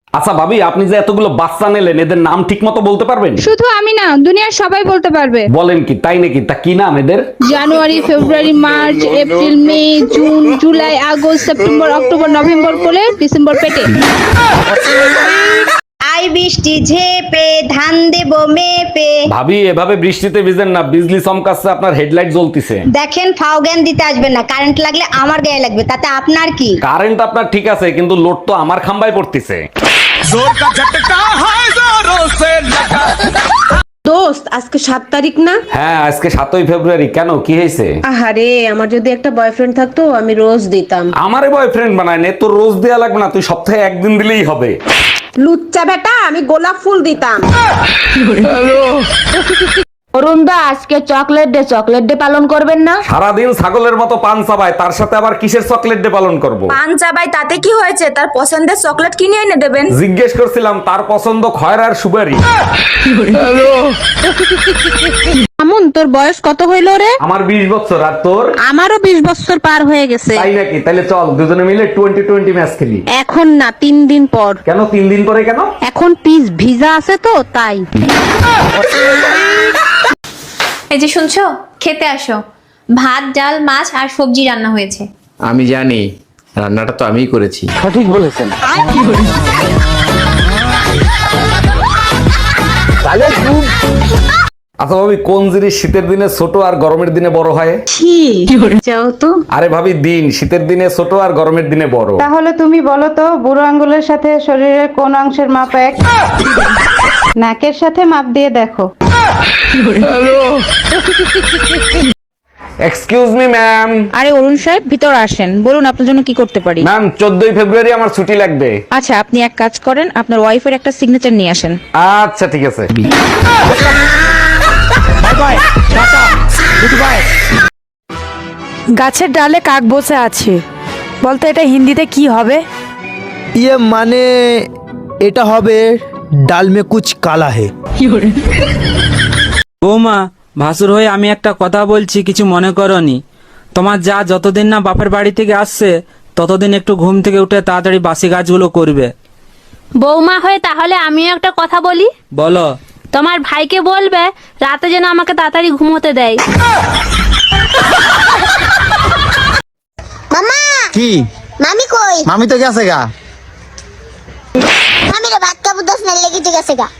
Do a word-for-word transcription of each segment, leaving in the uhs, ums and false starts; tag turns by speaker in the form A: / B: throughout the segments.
A: আচ্ছা ভাবি, আপনি যে এতগুলো বাচ্চা নিলেন, এদের নাম ঠিক মতো বলতে পারবেন?
B: শুধু আমি না, দুনিয়ার সবাই বলতে পারবে।
A: বলেন কি, তাই নাকি? তা কি নাম এদের?
B: January, February, March, April, May, June, July, August, September, October, November করে ডিসেম্বর পেটে।
C: আই বৃষ্টি ঝেপে ধান দেব মেপে।
A: ভাবি, এভাবে বৃষ্টিতে ভিজেন না, বিজলি চমকাচ্ছে, আপনার হেডলাইট জ্বলতিছে।
C: দেখেন, ফাও জ্ঞান দিতে আসবেন না, কারেন্ট লাগলে আমার গায়ে লাগবে, তাতে আপনার কি?
A: কারেন্ট আপনার ঠিক আছে, কিন্তু লোড তো আমার খাম্বায় পড়তিছে।
D: দোস্ত, আজকে সাত তারিখ না?
A: হ্যাঁ, আজকে সাতই ফেব্রুয়ারি। কেন, কি হয়েছে?
D: আহারে, আমার যদি একটা বয়ফ্রেন্ড থাকতো আমি রোজ দিতাম।
A: আমারে বয়ফ্রেন্ড বানায় নে, তোর রোজ দেয়া লাগবে না, তুই সপ্তাহে একদিন দিলেই হবে।
D: লুচ্চা বেটা, আমি গোলাপ ফুল দিতাম।
E: অরুণ দা, আজকে চকলেট ডে, চকলেট ডে পালন করবেন না?
A: সারাদিন ছাগলের মতো পান চাবায়, তার সাথে আবার কিসের চকলেট ডে পালন করব?
E: পান চাবাই, তাতে কি হয়েছে? তার পছন্দের চকলেট কিনে এনে দেবেন।
A: জিজ্ঞেস করছিলাম, তার পছন্দ খয়রা আর সুপারি।
B: আমন, তোর বয়স কত হইলো রে?
A: আমার বিশ বছর, আর তোর?
B: আমারও বিশ বছর পার হয়ে গেছে।
A: তাই নাকি? তাহলে চল দুজনে মিলে টোয়েন্টি টোয়েন্টি ম্যাচ খেলি।
B: এখন না, তিন দিন পর।
A: কেন তিন দিন পরে কেন?
B: এখন পিস ভিজা আছে তো, তাই।
F: এই যে শুনছো, খেতে আসো। ভাত, ডাল, মাছ আর সবজি রান্না হয়েছে।
G: আমি জানি, রান্নাটা তো আমিই করেছি।
A: আচ্ছা ভাবি, কোন জিনিস শীতের দিনে ছোট আর গরমের দিনে বড় হয়?
D: যাও তো।
A: আরে ভাবি, দিন শীতের দিনে ছোট আর গরমের দিনে বড়।
H: তাহলে তুমি বলো তো, বুড়ো আঙ্গুলের সাথে শরীরের কোন অংশের মাপ এক? নাকের সাথে মাপ দিয়ে দেখো।
A: Excuse me ma'am.
B: আরে অরুণ সাহেব, ভিতর আসেন, বলুন আপনার জন্য কি করতে পারি।
A: ম্যাম, চোদ্দই ফেব্রুয়ারি আমার ছুটি লাগবে।
B: আচ্ছা, আপনি এক কাজ করেন, আপনার ওয়াইফের একটা সিগনেচার নিয়ে আসেন।
A: আচ্ছা ঠিক আছে।
I: গাছের ডালে কাক বসে আছে, বলতো এটা হিন্দিতে কি হবে?
J: ইয়ে মানে এটা হবে ডাল মে কুছ কালা হে।
K: বৌমা, ভাসুর হয়ে আমি একটা কথা বলছি, কিছু মনে করনি। তোমার যা যতদিন না বাপের বাড়ি থেকে আসছে, ততদিন একটু ঘুম থেকে উঠে তাড়াতাড়ি বাসি কাজগুলো করবে।
F: বৌমা হয়ে তাহলে আমিও একটা কথা বলি।
K: বলো।
F: তোমার ভাইকে বলবে রাতে যেন আমাকে তাড়াতাড়ি ঘুমোতে দেয়।
C: মামা,
J: কি
C: মামি কই?
J: মামি তো গেছে গা।
C: মামিরে ভাত কাপড় দশ না লেগে গেছে গা।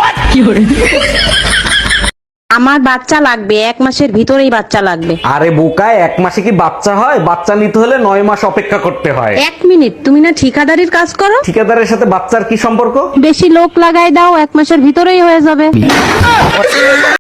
D: আমার বাচ্চা লাগবে, এক মাসের ভিতরেই বাচ্চা লাগবে।
A: আরে বোকা, এক মাসে কি বাচ্চা হয়? বাচ্চা নিতে হলে নয় মাস অপেক্ষা করতে হয়।
D: এক মিনিট, তুমি না ঠিকাদারির কাজ করো?
A: ঠিকাদারের সাথে বাচ্চার কি সম্পর্ক?
D: বেশি লোক লাগাই দাও, এক মাসের ভিতরেই হয়ে যাবে।